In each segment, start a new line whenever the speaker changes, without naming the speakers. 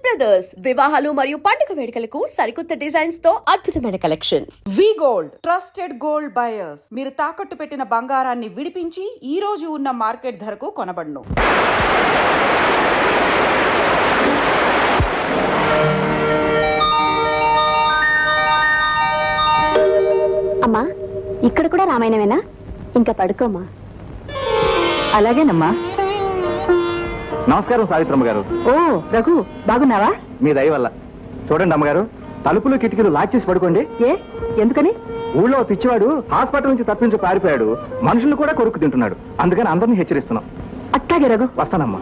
Brothers వివాహాలు మరియు పండుగ వేడుకలకు సరికొత్త డిజైన్స్ తో అద్భుతమైన collection.
We gold trusted gold buyers. మీరు తాకట్టు పెట్టిన బంగారాన్ని విడిపించి ఈ రోజు ఉన్న మార్కెట్ ధరకు కొనబడును.
అమ్మా, ఇక్కడ కూడా రామాయణమేనా? ఇంకా పడుకోమ్మా. అలాగేనమ్మా.
నమస్కారం సావిత్రమ్మ గారు.
ఓ రఘు, బాగున్నావా?
మీ దయ వల్ల. చూడండి అమ్మగారు, తలుపులు కిటికీలు లాక్ చేసి పడుకోండి.
ఏ ఎందుకని?
ఊళ్ళో పిచ్చివాడు హాస్పిటల్ నుంచి తప్పించి పారిపోయాడు. మనుషులు కూడా కొరుకు తింటున్నాడు. అందుకని అందరినీ హెచ్చరిస్తున్నాం.
అట్టాగే రఘు.
వస్తానమ్మా.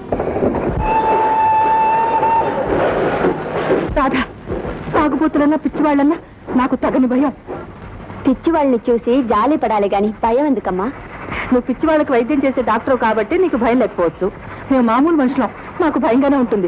రాధా, తాగుబోతులన్నా పిచ్చివాళ్ళన్నా నాకు తగని భయం. పిచ్చివాళ్ళని చూసి జాలి పడాలి గాని భయం ఎందుకమ్మా? నువ్వు పిచ్చివాళ్ళకి వైద్యం చేసే డాక్టర్ కాబట్టి నీకు భయం లేకపోవచ్చు. మేము మామూలు మనుషులం, మాకు భయంగానే ఉంటుంది.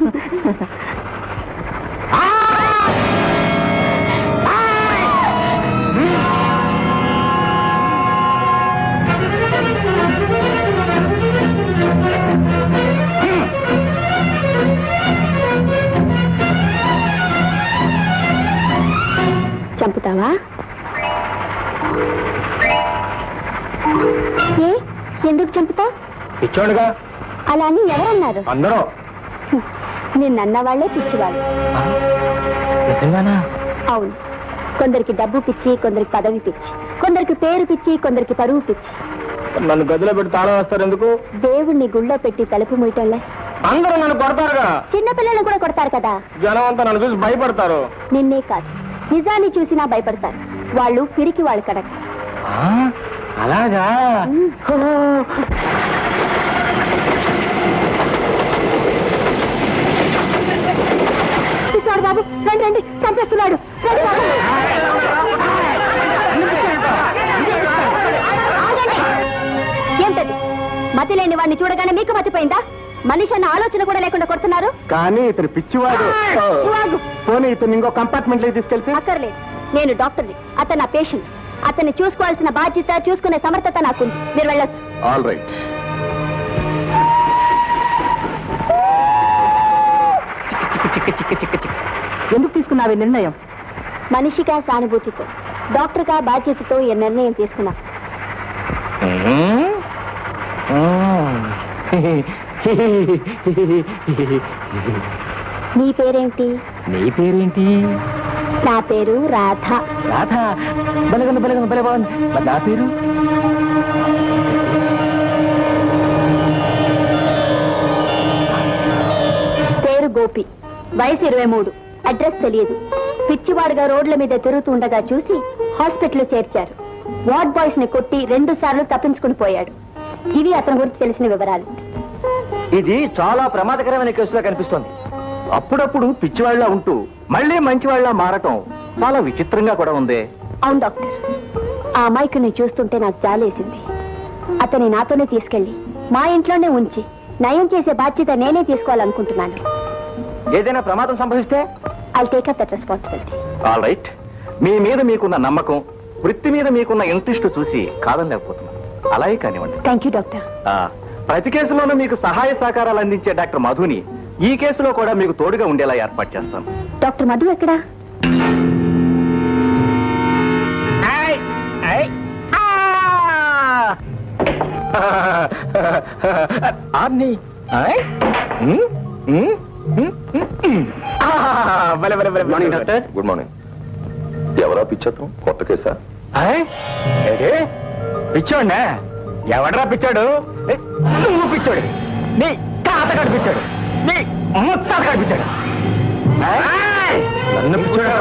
చంపుతావా? ఏ ఎందుకు చంపుతావు?
పిచ్చోడుగా.
అలా అని ఎవరన్నారు?
అందరూ.
నిన్నన్న వాళ్లే పిచ్చివాళ్ళు.
నిజంగానా?
అవును. కొందరికి డబ్బు పిచ్చి, కొందరికి పదవి పిచ్చి, కొందరికి పేరు పిచ్చి, కొందరికి పరువు పిచ్చి.
నన్ను గదిలో పెట్టి తాళం వేస్తారు ఎందుకు?
దేవుణ్ణి గుళ్ళో పెట్టి తలుపు మూయటంలే.
అందరూ నన్ను కొడతారుగా.
చిన్న పిల్లలను కూడా కొడతారు కదా.
జనం అంతా నన్ను చూసి భయపడతారు.
నిన్నే కాదు, నిజాన్ని చూసినా భయపడతారు. వాళ్ళు పిరికి వాళ్ళు కడక.
అలాగా?
పిచ్చాడు బాబు, రండి రండి, చంపేస్తున్నాడు. రండి బాబు. ఏంటది? మతి లేని వాడిని చూడగానే మీకు మతిపోయిందా? మనిషి అన్న ఆలోచన కూడా లేకుండా కొడుతున్నారు.
కానీ ఇతను పిచ్చివాడు. పోనీ ఇతను ఇంకో కంపార్ట్మెంట్ లో తీసుకెళ్తే?
అక్కర్లేదు, నేను డాక్టర్ని, అతను నా పేషెంట్. అతన్ని చూసుకోవాల్సిన బాధ్యత, చూసుకునే సమర్థత నాకుంది. మీరు వెళ్ళొచ్చు.
All right.
ఎందుకు తీసుకున్నావు ఈ నిర్ణయం? మనిషిగా సానుభూతితో, డాక్టర్గా బాధ్యతతో ఈ నిర్ణయం తీసుకున్నా. నీ పేరేంటి?
నీ పేరేంటి?
నా పేరు రాధ.
రాధ? బలగంది బలగంది బలే బాగుంది. మరి నా పేరు?
పేరు గోపి, వయసు 23, అడ్రస్ తెలియదు. పిచ్చివాడుగా రోడ్ల మీద తిరుగుతూ ఉండగా చూసి హాస్పిటల్ చేర్చారు. వార్డ్ బాయ్స్ ని కొట్టి 2 సార్లు తప్పించుకుని పోయాడు. ఇవి అతని గురించి తెలిసిన వివరాలు.
ఇది చాలా ప్రమాదకరమైన కేసులా కనిపిస్తోంది. అప్పుడప్పుడు పిచ్చివాళ్లా ఉంటూ మళ్ళీ మంచివాళ్లా మారటం చాలా విచిత్రంగా కూడా ఉంది.
అవును డాక్టర్, ఆ అమాయకుని చూస్తుంటే నాకు జాలేసింది. అతని నాతోనే తీసుకెళ్లి మా ఇంట్లోనే ఉంచి నయం చేసే బాధ్యత నేనే తీసుకోవాలనుకుంటున్నాను.
ఏదైనా ప్రమాదం సంభవిస్తే?
I'll take up that responsibility.
All right. మీ మీద మీకున్న నమ్మకం, వృత్తి మీద మీకున్న ఇంట్రెస్ట్ చూసి కాదనలేకపోతున్నాను. అలాగే కానివ్వండి.
Thank you doctor.
ప్రతి కేసులోనూ మీకు సహాయ సహకారాలు అందించే డాక్టర్ మధుని ఈ కేసులో కూడా మీకు తోడుగా ఉండేలా ఏర్పాటు చేస్తాను.
డాక్టర్ మధు ఎక్కడా?
Morning doctor.
Good morning. ఎవరా పిచ్చత్వం? కొత్త కేసా?
పిచ్చోడ్నా? ఎవడరా పిచ్చాడు? నువ్వు పిచ్చోడు. నీ తాతగాడు పిచ్చాడు. నీ ముత్తాతగాడు పిచ్చాడు. నన్ను పిచ్చోడా?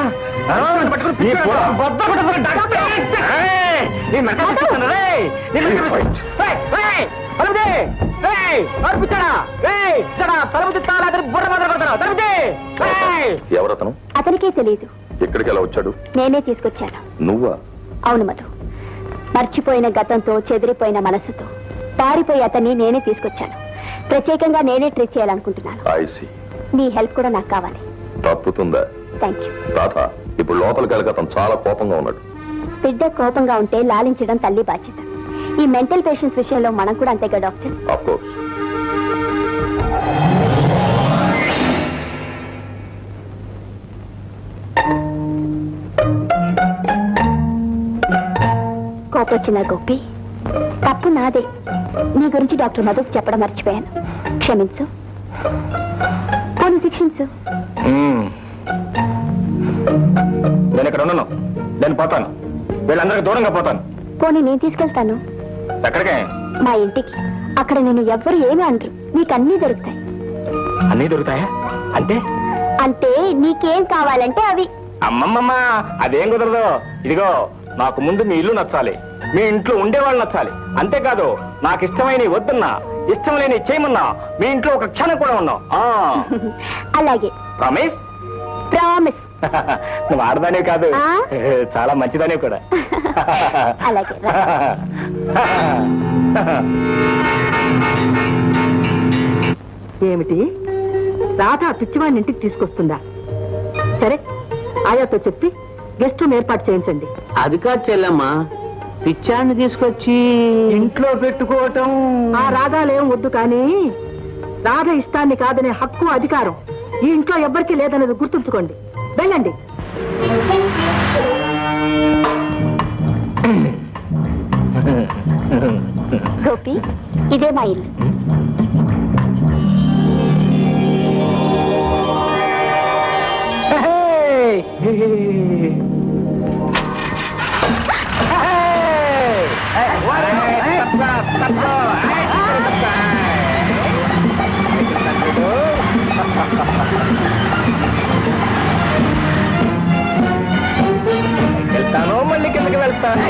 ఎవరతను?
అతనికే తెలియదు.
ఎక్కడికి ఎలా వచ్చాడు?
నేనే తీసుకొచ్చాను.
నువ్వా?
అవును మధు, మర్చిపోయిన గతంతో, చెదిరిపోయిన మనసుతో పారిపోయి అతన్ని నేనే తీసుకొచ్చాను. ప్రత్యేకంగా నేనే ట్రీట్ చేయాలనుకుంటున్నాను.
I see.
మీ హెల్ప్ కూడా నాకు కావాలి.
తప్పుతుందా?
Thank you.
రాధ, ఇప్పుడు లోపలికి వెళ్ళక అతను చాలా కోపంగా ఉన్నాడు.
బిడ్డ కోపంగా ఉంటే లాలించడం తల్లి బాధ్యత. ఈ మెంటల్ పేషెంట్స్ విషయంలో మనం కూడా అంతేగా డాక్టర్?
Of course.
చిన్న గోపి, తప్పు నాదే. నీ గురించి డాక్టర్ మధుకు చెప్పడం మర్చిపోయాను. క్షమించు, పోనీ శిక్షించు.
నేను ఇక్కడ ఉన్నాను, నేను పోతాను, వీళ్ళందరికీ దూరంగా పోతాను.
పోనీ నేను తీసుకెళ్తాను
ఎక్కడికే?
మా ఇంటికి. అక్కడ నేను ఎవ్వరు ఏమీ అనరు, నీకు అన్నీ దొరుకుతాయి.
అన్నీ దొరుకుతాయా? అంటే
అంటే నీకేం కావాలంటే అవి.
అమ్మమ్మమ్మ, అదేం కుదరదు. ఇదిగో, నాకు ముందు మీ ఇల్లు నచ్చాలి, మీ ఇంట్లో ఉండేవాళ్ళు నచ్చాలి. అంతేకాదు, నాకు ఇష్టమైన వద్దున్నా, ఇష్టం లేని చేయమన్నా మీ ఇంట్లో ఒక క్షణం కూడా ఉన్నావు.
అలాగే.
ప్రామిస్?
ప్రామిస్.
నువ్వు ఆడదానే కాదు,
ఆ?
చాలా మంచిదానే కూడా.
అలాగే.
ఏమిటి, రాధ ఆ పిచ్చివాడిని ఇంటికి తీసుకొస్తుందా? సరే, ఆయాతో చెప్పి గెస్ట్ రూమ్ ఏర్పాటు చేయించండి.
అది కాదు చెల్లమ్మా, పిచ్చాన్ని తీసుకొచ్చి
ఇంట్లో పెట్టుకోవటం.
ఆ రాధాలేం వద్దు, కానీ రాధ ఇష్టాన్ని కాదనే హక్కు, అధికారం ఈ ఇంట్లో ఎవ్వరికీ లేదనేది గుర్తుంచుకోండి. వెళ్ళండి.
గోపి, ఇదే మా ఇల్లు.
వెళ్తాను, మళ్ళీ కిందకి వెళ్తాను.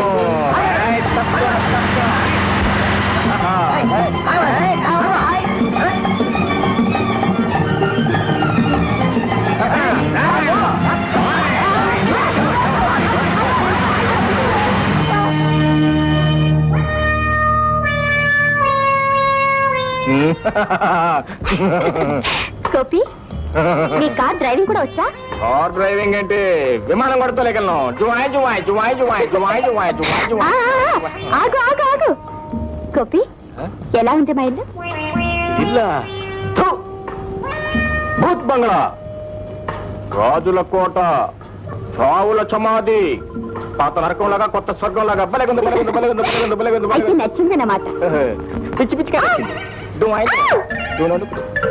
గోపి, నీ కార్ డ్రైవింగ్ కూడా వచ్చా?
కార్ డ్రైవింగ్ ఏంటి, విమానం కొడతలేగలను. జువాయ్ జువాయ్ జువాయ్ జువాయ్ జువాయ్ జువాయ్ జువాయ్ జువాయ్.
ఆగు ఆగు ఆగు. గోపి, ఎలా ఉంది మా ఇల్లు?
ఇల్లా? థు! భూత్ బంగ్లా, రాజుల కోట, రావుల సమాధి, పాత నరకంలాగా కొత్త స్వర్గంలాగా బలగుంది బలగుంది బలగుంది బలగుంది బలగుంది
అయితే
బలగుంది.
నచ్చిందన్నమాట.
పిచ్చి పిచ్చిగా నచ్చింది. డువాయ్ డువాయ్.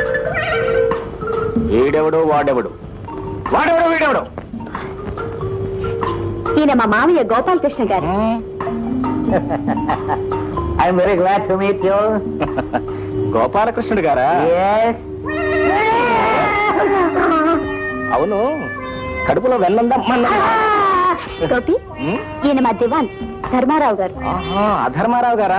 వీడెవడు వాడెవడు, వాడెవడు వీడెవడు?
ఈయన మా మామయ్య Gopalakrishna garu.
I'm very glad to meet you.
గోపాలకృష్ణుడు గారా? అవును, కడుపులో వెన్నందా?
గోపి, ఈయన మా దివాన్ ధర్మారావు గారు.
అధర్మారావు గారా?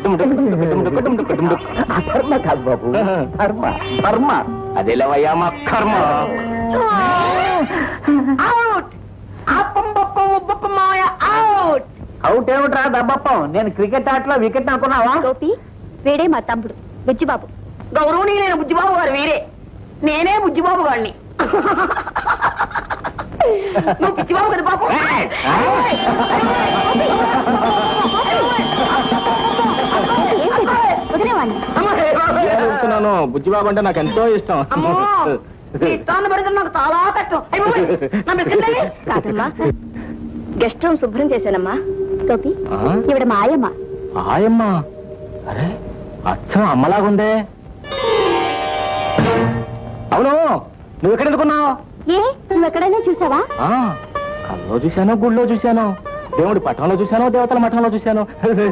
అధర్మ కాదు బాబు, ధర్మ ధర్మ.
అదేలేవయ్యా మా కర్మ.
అవుట్ ఏమిట్రా దబ్బప్పం, నేను క్రికెట్ ఆటలో వికెట్ అనుకున్నావా?
గోపి, వీడే మా తమ్ముడు బుజ్జిబాబు.
గౌరవనీయులైన బుజ్జిబాబు గారు వీరే, నేనే బుజ్జిబాబు గారిని. నువ్వు పిచ్చిబాబు కదా బాబు.
వదిలేవాడిని.
బుజ్జిబాబు అంటే నాకు ఎంతో ఇష్టం.
ఇష్టాన్ని పడితే నాకు చాలా కష్టం.
కాదమ్మా, గెస్ట్ రూమ్ శుభ్రం చేశానమ్మా. గోపి,
ఆ?
ఇవిడ మా ఆయమ్మ.
ఆయమ్మ? అరే, అచ్చం అమ్మలాగుందే. అవును, నువ్వు ఎక్కడ ఎందుకున్నావు?
ఏ, నువ్వు ఎక్కడైనా చూసావా?
కల్లో చూశాను, గుళ్ళో చూశాను, దేవుడి పట్టణంలో చూశాను, దేవతల మఠంలో చూశాను.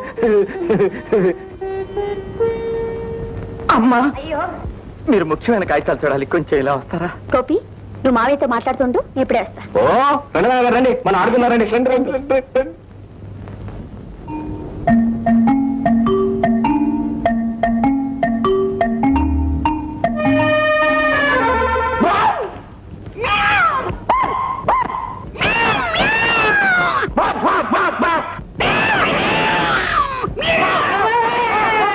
అమ్మా, మీరు ముఖ్యమైన కాగితాలు చూడాలి, కొంచెం ఇలా వస్తారా?
గోపి, నువ్వు మావయ్యతో మాట్లాడుతుండు, నేను ఇప్పుడే వస్తా.
ఓ రండి నాన్న గారు, రండి, మనం ఆడుకున్నారండి. రండి రండి రండి రండి.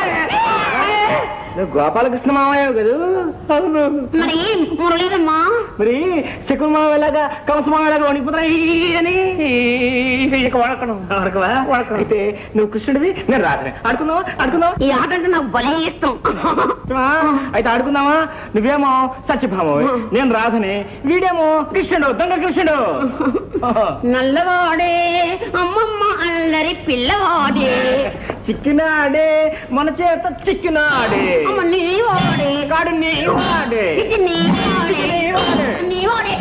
గోపాలకృష్ణ మామయ్య కదా?
మరి మురళీదమ్మా
మరి శకున మావేలాగా కంస మావేలాగా వణికిపోతాయి అని ఇక వడకడం అయితే నువ్వు కృష్ణుడివి నేను రాధనే ఆడుకుందాం
ఈ ఆట అంటే నాకు భలే ఇష్టం.
అయితే ఆడుకుందామా? నువ్వేమో సత్యభామవి, నేను రాధనే, వీడేమో కృష్ణుడు, దొంగ కృష్ణుడు.
నల్లవాడే అమ్మమ్మ అల్లరి పిల్లవాడే
చిక్కినాడే మన చేత చిక్కినాడే
అమ్మ నీవాడే
కాడు నీవాడే
ఇది నీవాడే నీవాడే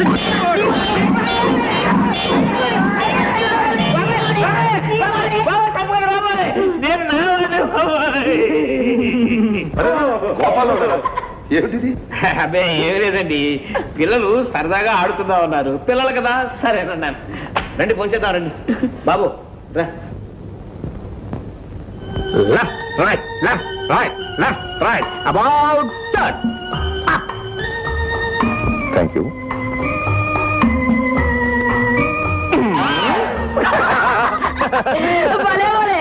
నేను
ఏమిటిది?
అదే ఏం లేదండి, పిల్లలు సరదాగా ఆడుకుందాం ఉన్నారు, పిల్లలు కదా సరేనన్నాను. రండి ఫోన్ చేద్దాం, రండి బాబు రా. Left, right, left, right, left, right. About that.
Thank you.
భలే భలే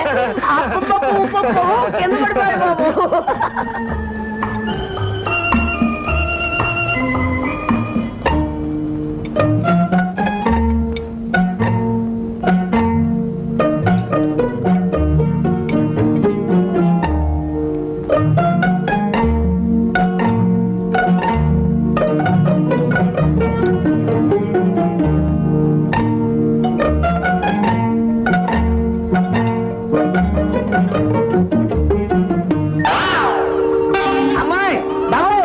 కింద పడిపోయాడు బాబు.
అమ్మాయి బాబాయ్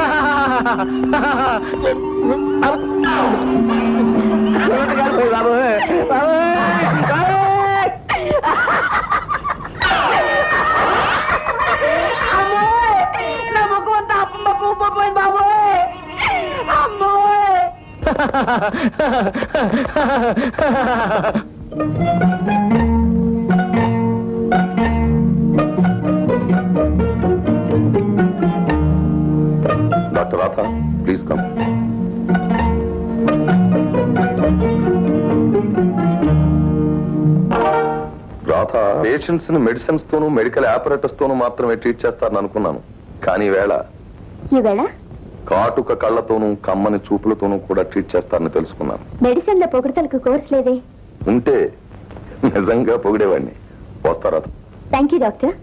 నా ముఖం అంతా అమ్మ పువ్వు పోయింది బాబోయ్. అమ్మోయ్
doctor Radha, please come. Radha, patients ని మెడిసిన్స్ తోనూ మెడికల్ ఆపరేటర్స్ తోనూ మాత్రమే ట్రీట్ చేస్తారని అనుకున్నాను, కానీ
ఈవేళ
కాటుక కళ్ళతోనూ కమ్మని చూపులతోనూ కూడా ట్రీట్ చేస్తారని తెలుసుకున్నాను.
మెడిసిన్ లో పొగడతలకు కోర్స్ లేదే.
ఉంటే నిజంగా పొగిడేవాడిని. వస్తారా?
Thank you doctor.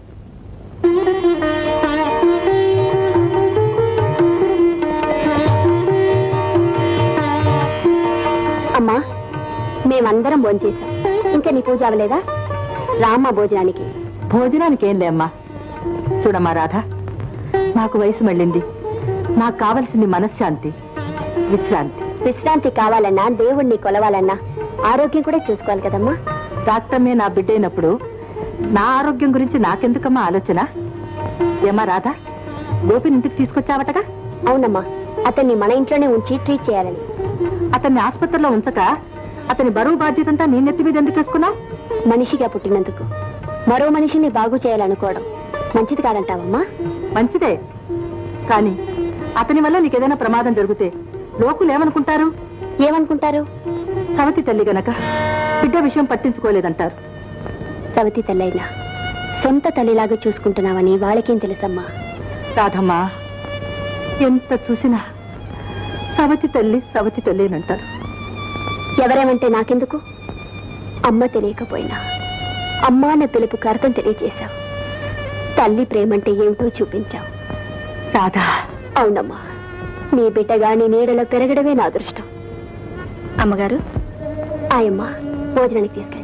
అమ్మా, మేమందరం భోంచేశాం. ఇంకా నీ పూజ అవ్వలేదా? రామ్మా భోజనానికి.
భోజనానికి ఏం లేమ్మా. చూడమ్మా రాధ, నాకు వయసు మళ్ళింది. నాకు కావలసింది మనశ్శాంతి, విశ్రాంతి.
విశ్రాంతి కావాలన్నా, దేవుణ్ణి కొలవాలన్నా ఆరోగ్యం కూడా చూసుకోవాలి కదమ్మా.
డాక్టర్మే నా బిడ్డైనప్పుడు నా ఆరోగ్యం గురించి నాకెందుకమ్మా ఆలోచన? ఏమా రాధ, గోపిని ఇంటికి తీసుకొచ్చావటగా?
అవునమ్మా, అతన్ని మన ఇంట్లోనే ఉంచి ట్రీట్ చేయాలని.
అతన్ని ఆసుపత్రిలో ఉంచక అతని బరువు బాధ్యతంతా నీ నెత్తి మీద ఎందుకు వేసుకున్నావు?
మనిషిగా పుట్టినందుకు మరో మనిషిని బాగు చేయాలనుకోవడం మంచిది కాదంటావమ్మా?
మంచిదే, కానీ అతని వల్ల నీకేదైనా ప్రమాదం జరిగితే లోకులు ఏమనుకుంటారు?
ఏమనుకుంటారు?
సవతి తల్లి గనక బిడ్డ విషయం పట్టించుకోలేదంటారు.
సవతి తల్లైనా సొంత తల్లిలాగా చూసుకుంటున్నావని వాళ్ళకేం తెలుసమ్మా?
రాధమ్మా, ఎంత చూసినా సవతి తల్లేనంటారు.
ఎవరేమంటే నాకెందుకు? అమ్మ తెలియకపోయినా అమ్మ అన్న పిలుపుకి అర్థం తెలియజేశావు. తల్లి ప్రేమంటే ఏమిటో చూపించావు.
రాధా,
అవునమ్మా, నీ బిడ్డగా నీ నీడలో పెరగడమే నా అదృష్టం. అమ్మగారు, ఆయమ్మ భోజనానికి తీసుకెళ్ళాం.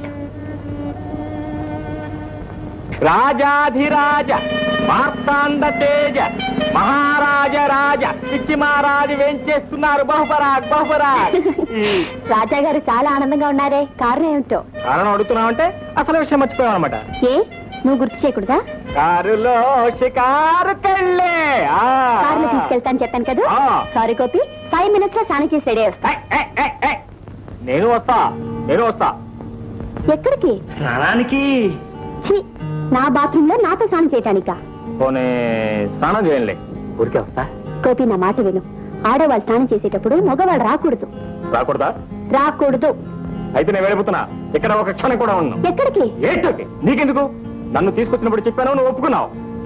రాజాధిరాజ మార్తాండ తేజ మహారాజ రాజ పిచ్చి మహారాజు వేంచేస్తున్నారు. బహుపరాగ్ బహుపరాగ్.
రాజా గారు చాలా ఆనందంగా ఉన్నారే, కారణం ఏమిటో?
కారణం అడుగుతున్నావంటే అసలు విషయం మర్చిపోయావు అనమాట.
ఏ, నువ్వు గుర్తు చేయకూడదా?
కారులో షికారుకెళ్ళే
కారులో తీసుకెళ్తాను చెప్పాను కదా.
ఆ.
సారీ గోపి, 5 minutes లో స్నానం చేసి రెడీ వస్తా.
నేను వస్తా.
ఎక్కడికి?
స్నానానికి.
ఛీ, నా బాత్రూమ్ లో నాతో స్నానం చేయటానికా?
పోనీ స్నానం చేయండి, ఊరికే వస్తా.
గోపి, నా మాట విను. ఆడవాళ్ళు స్నానం చేసేటప్పుడు మగవాళ్ళు రాకూడదు.
రాకూడదా?
రాకూడదు.
అయితే నేను వెళ్ళిపోతున్నా. ఇక్కడ ఒక క్షణం కూడా ఉన్నాను.
ఎక్కడికి?
ఏంటోకి నీకెందుకు? నన్ను తీసుకొచ్చినప్పుడు చెప్పాను, నువ్వు ఒప్పుకున్నావు.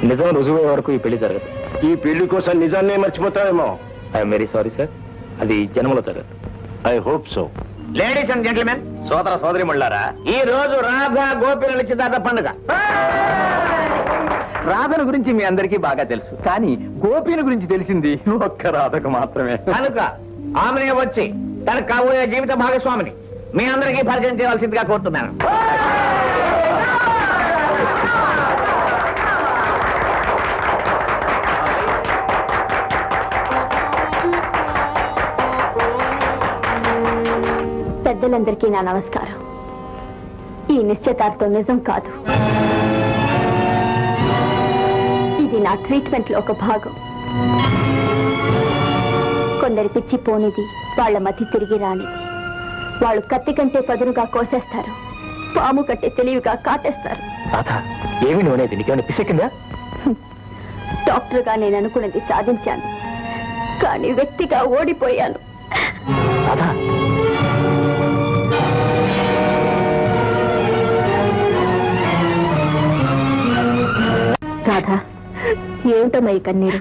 నిజం రుజువే వరకు ఈ పెళ్లి జరగదు.
ఈ పెళ్లి కోసం నిజాన్నే మర్చిపోతావేమో.
ఐఎమ్ వెరీ సారీ సార్, అది జన్మలో జరగదు.
I hope so.
Ladies and gentlemen, సోదర సోదరి మళ్ళారా, ఈ రోజు రాధా గోపిల నిశ్చితార్థ పండుగ. రాధను గురించి మీ అందరికీ బాగా తెలుసు, కానీ గోపిని గురించి తెలిసింది ఒక్క రాధకు మాత్రమే. కనుక ఆమెనే వచ్చి తనకు కాబోయే జీవిత భాగస్వామిని మీ అందరికీ పరిచయం చేయవలసిందిగా కోరుతున్నాను.
పెద్దలందరికీ నా నమస్కారం. ఈ నిశ్చయితార్థం నిజం కాదు, ఇది నా ట్రీట్మెంట్ లో ఒక భాగం. కొందరి పిచ్చి పోనిది, వాళ్ళ మతి తిరిగి రానిది. వాళ్ళు కత్తి కంటే పదునుగా కోసేస్తారు, పాము కంటే తెలివిగా కాటేస్తారు.
రాధా, ఏమి నువ్వు అనేది? నీకేమైనా పిచ్చెక్కిందా?
డాక్టర్గా నేను అనుకున్నది సాధించాను, కానీ వ్యక్తిగా ఓడిపోయాను.
రాధా,
రాధా, ఏమిటమ్మా ఈ కన్నీరు?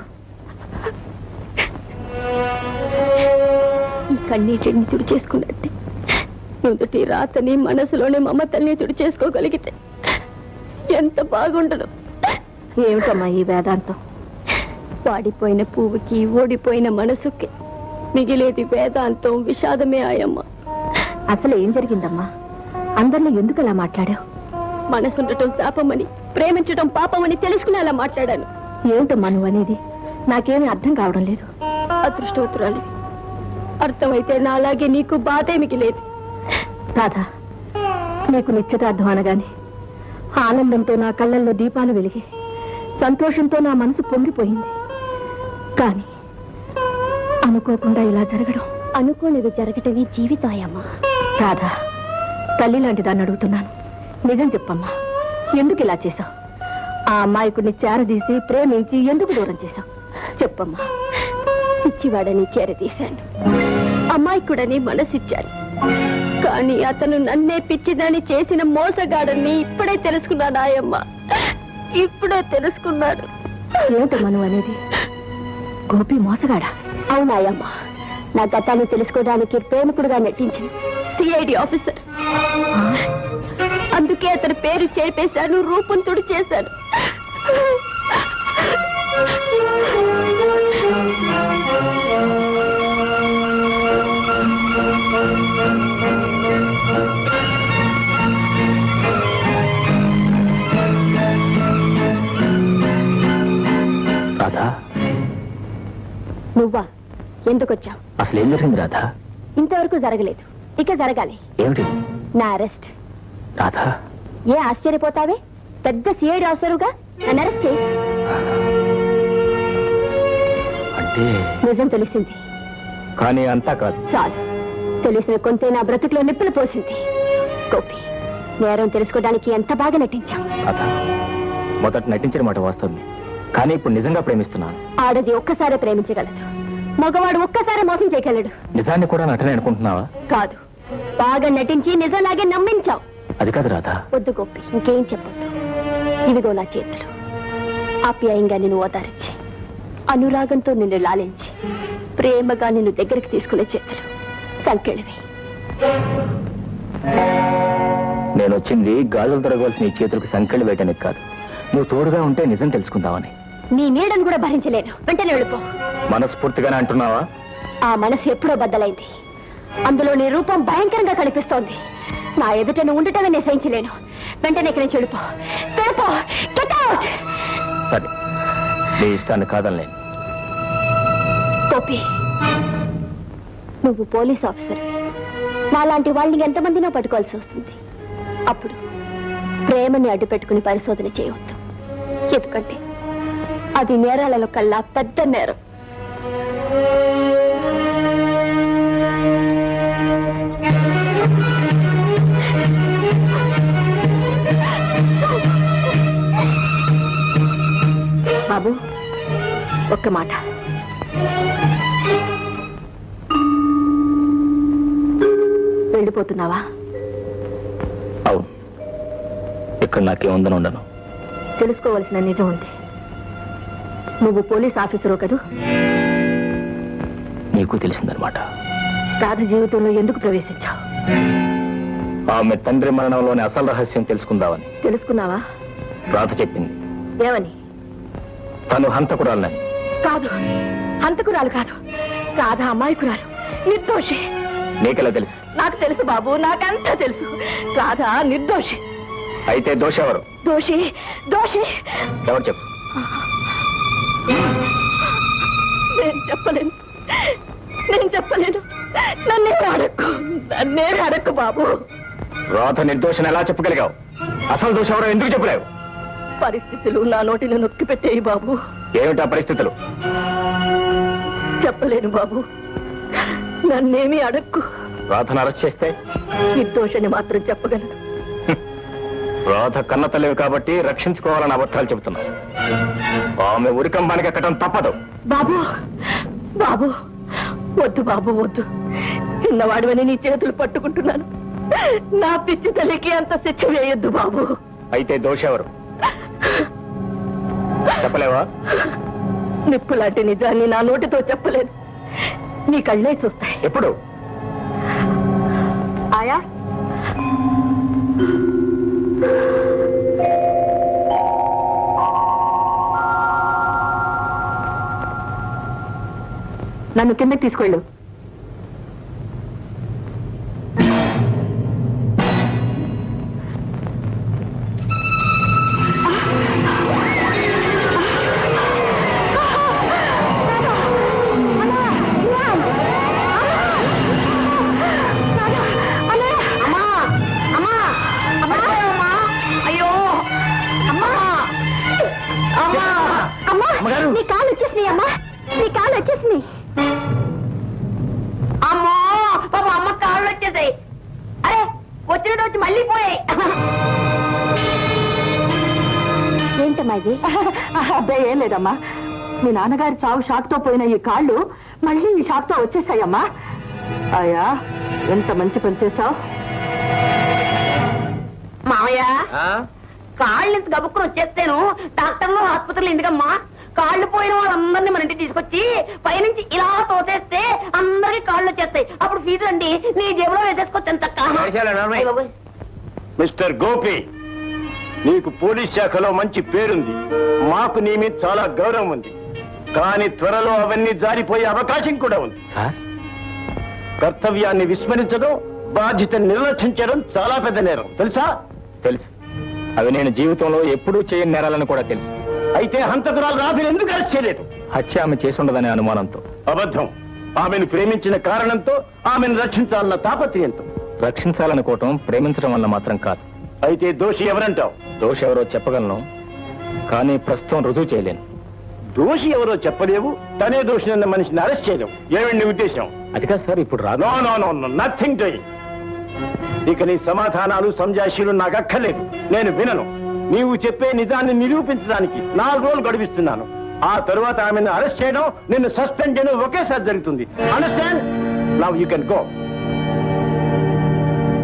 ఈ కన్నీటిని తుడిచేసుకున్నట్టే నుదుటి రాతని మనసులోని మమతల్ని తుడిచేసుకోగలిగితే ఎంత బాగుండదు. ఏమిటమ్మా ఈ వేదాంతం? వాడిపోయిన పువ్వుకి ఓడిపోయిన మనసుకి మిగిలేది వేదాంతం, విషాదమే ఆయమ్మ. అసలు ఏం జరిగిందమ్మా? అందరిలో ఎందుకు అలా మాట్లాడావు? మనసుండటం శాపమని, ప్రేమించటం పాపమని తెలుసుకునేలా మాట్లాడాను. ఏమిటమ్మా నువ్వు అనేది? నాకేమీ అర్థం కావడం లేదు. అదృష్టవతురాలి, అర్థమైతే నాలాగే నీకు బాధే మిగిలేదు. రాధా, నీకు నిశ్చితార్థం అనగానే ఆనందంతో నా కళ్ళల్లో దీపాలు వెలిగి, సంతోషంతో నా మనసు పొంగిపోయింది. కానీ అనుకోకుండా ఇలా జరగడం, అనుకోనివి జరగటమే జీవితాయమ్మా. రాధా, తల్లి లాంటి దాన్ని అడుగుతున్నాను, నిజం చెప్పమ్మా, ఎందుకు ఇలా చేశావు? ఆ అమ్మాయికుడిని చేరదీసి ప్రేమించి ఎందుకు దూరం చేశావు? చెప్పమ్మా. పిచ్చివాడని చేరదీశాను, అమ్మాయికుడని మనసిచ్చాను, కానీ అతను నన్నే పిచ్చిదాన్ని చేసిన మోసగాడని ఇప్పుడే తెలుసుకున్నాను ఆయమ్మ, ఇప్పుడే తెలుసుకున్నాడు. ఏమిటమ్మా నువ్వు అనేది? గోపి మోసగాడా? అవునాయమ్మ, నా గతాన్ని తెలుసుకోవడానికి ప్రేమికుడుగా నటించిన సిఐడి ఆఫీసర్. అందుకే అతని పేరు చేర్పేశాను, రూపం తుడి చేశాను.
రాధా,
నువ్వా? ఎందుకొచ్చావు?
అసలు ఏం జరిగింది రాధా?
ఇంతవరకు జరగలేదు, ఇక జరగాలి.
ఏమిటి?
నా అరెస్ట్.
రాధా,
ఏ ఆశ్చర్యపోతావే? పెద్ద సిఐడి ఆఫీసరుగా నన్ను అరెస్ట్ చేయి.
అంటే
నిజం తెలిసింది,
కానీ అంతా కాదు.
చాలు, తెలిసిన కొంతే నా బ్రతుకులో నిప్పులు పోసింది. గోపి, నేరం తెలుసుకోవడానికి ఎంత బాగా నటించాం.
రాధా, మొదట నటించిన మాట వాస్తవమే, కానీ ఇప్పుడు నిజంగా ప్రేమిస్తున్నాను.
ఆడది ఒక్కసారే ప్రేమించగలదు, మగవాడు ఒక్కసారి మోసం చేయగలడు.
నిజాన్ని కూడా నటనే అనుకుంటున్నావా?
కాదు, బాగా నటించి నిజంలాగే నమ్మించావు.
అది కాదు రాధా.
వద్దు గోపి, ఇంకేం చెప్పొద్దు. ఇదిగో నా చేతులు, ఆప్యాయంగా నిన్ను ఓదారించి, అనురాగంతో నిన్ను లాలించి, ప్రేమగా నిన్ను దగ్గరికి తీసుకునే చేతులు, సంకెళ్ళవి.
నేను వచ్చింది గాజులు తొడగవలసిన ఈ చేతులకు సంకెళ్ళు వేయటానికి కాదు, నువ్వు తోడుగా ఉంటే నిజం తెలుసుకుందామని.
నీ నీడను కూడా భరించలేను, వెంటనే వెళ్ళిపో.
మనస్ఫూర్తిగానే అంటున్నావా?
ఆ మనసు ఎప్పుడో బద్దలైంది, అందులో నీ రూపం భయంకరంగా కనిపిస్తోంది. నా ఎదుట నువ్వు ఉండటమే నేను సహించలేను, వెంటనే ఇక్కడి నుంచి వెళ్ళిపో. వెళ్ళిపో, Get out!
సరే, నీ ఇష్టాన్ని కాదనలేను.
గోపి, నువ్వు పోలీస్ ఆఫీసర్, నాలాంటి వాళ్ళని ఎంతమందినో పట్టుకోవాల్సి వస్తుంది. అప్పుడు ప్రేమని అడ్డు పెట్టుకుని పరిశోధన చేయవద్దు, ఎందుకంటే అది నేరాలలో కల్లా పెద్ద నేరం. బాబు, ఒక్క మాట. వెళ్ళిపోతున్నావా?
అవును, ఇక్కడ నాకేముందని ఉండను.
తెలుసుకోవలసిన నిజం ఉంది.
నువ్వు పోలీస్ ఆఫీసరు కదూ?
నీకు తెలిసిందనమాట.
రాధ జీవితంలో ఎందుకు ప్రవేశించావు?
ఆమె తండ్రి మరణంలోని అసలు రహస్యం తెలుసుకుందామని.
తెలుసుకున్నావా?
రాధ చెప్పింది.
ఏమని?
తను హంతకురాలని.
కాదు, హంతకురాలు కాదు. రాధ అమాయకురాలు, నిర్దోషి.
నీకెలా తెలుసు?
నాకు తెలుసు బాబు, నాకంతా తెలుసు. రాధ నిర్దోషి.
అయితే దోషెవరు?
దోషి దోషి
ఎవరు చెప్పు.
నేను చెప్పలేను. నన్నేమి అడక్కు బాబు.
రాధ నిర్దోషణ ఎలా చెప్పగలిగావు? అసలు దోషెవరో ఎందుకు చెప్పలేవు?
పరిస్థితులు నా నోటిని నొక్కి పెట్టేయి బాబు.
ఏమిటా పరిస్థితులు?
చెప్పలేను బాబు, నన్నేమి అడక్కు.
రాధను అరెస్ట్ చేస్తే?
నిర్దోషని మాత్రం చెప్పగలను.
రాధ కన్న తల్లివి కాబట్టి రక్షించుకోవాలని అబద్ధాలు చెబుతున్నా. ఆమె ఉరికంబానికి ఎక్కడం తప్పదు.
బాబు బాబు వద్దు బాబు, వద్దు. చిన్నవాడివని నీ చేతులు పట్టుకుంటున్నాను. నా పిచ్చి తల్లికి అంత శిక్ష వేయొద్దు బాబు.
అయితే దోషెవరు చెప్పలేవా?
నిప్పులాంటి నిజాన్ని నా నోటితో చెప్పలేదు. నీ కళ్ళే చూస్తాయి.
ఎప్పుడు?
ఆయా నన్ను కిందకి తీసుకెళ్ళు. నీ కాలు వచ్చేసినాయి అమ్మా, నీ కాలు వచ్చేసినాయి.
అమ్మో పాప అమ్మ కాళ్ళు వచ్చేసాయి. అరే వచ్చినట్టు వచ్చి మళ్ళీ పోయాయి.
ఏంటమ్మా ఇది? అబ్బాయి ఏం లేదమ్మా, మీ నాన్నగారి చావు షాక్ తో పోయిన ఈ కాళ్ళు మళ్ళీ ఈ షాక్ తో వచ్చేసాయమ్మా. అయ్యా ఎంత మంచి పని చేశావు.
మామయ్య కాళ్ళు ఇంత గబుక్కుని వచ్చేస్తాను. డాక్టర్లు ఆసుపత్రులు ఎందుకమ్మా? కాళ్ళు పోయిన వాళ్ళందరినీ మన ఇంటికి తీసుకొచ్చి పైనుంచి ఇలా తోసేస్తే అందరికి కాళ్ళు వచ్చేస్తాయి. అప్పుడు ఫీజు అండి నీ జేబులో వేసేసుకోవచ్చు. తక్క
మిస్టర్ గోపి, నీకు పోలీస్ శాఖలో మంచి పేరుంది, మాకు నీ మీద చాలా గౌరవం ఉంది. కానీ త్వరలో అవన్నీ జారిపోయే అవకాశం కూడా ఉంది.
సార్,
కర్తవ్యాన్ని విస్మరించడం, బాధ్యతను నిర్లక్ష్యించడం చాలా పెద్ద నేరం, తెలుసా?
తెలుసు. అవి నేను జీవితంలో ఎప్పుడూ చేయని నేరాలని కూడా తెలుసు.
అయితే హంతకురాలు రాధను ఎందుకు అరెస్ట్ చేయలేదు?
హత్య ఆమె చేసుండదనే అనుమానంతో.
అబద్ధం. ఆమెను ప్రేమించిన కారణంతో, ఆమెను రక్షించాలన్న తాపత్రయంతో.
రక్షించాలనుకోవటం ప్రేమించడం వల్ల మాత్రం కాదు.
అయితే దోషి ఎవరంటావు?
దోషి ఎవరో చెప్పగలను, కానీ ప్రస్తుతం రుజువు చేయలేను.
దోషి ఎవరో చెప్పలేవు, తనే దోషి అన్న మనిషిని అరెస్ట్ చేయలేవు. ఏమండి నీ ఉద్దేశం?
అది కాదు సార్, ఇప్పుడు రాదు.
No no no no, nothing doing. ఇక నీ సమాధానాలు సంజాషీలు నాకు అక్కర్లేదు, నేను వినను. నీవు చెప్పే నిజాన్ని నిరూపించడానికి 4 రోజులు గడిపిస్తున్నాను. ఆ తరువాత ఆమెను అరెస్ట్ చేయడం, నిన్ను సస్పెండ్ చేయడం ఒకేసారి జరుగుతుంది. Understand? Now you can go.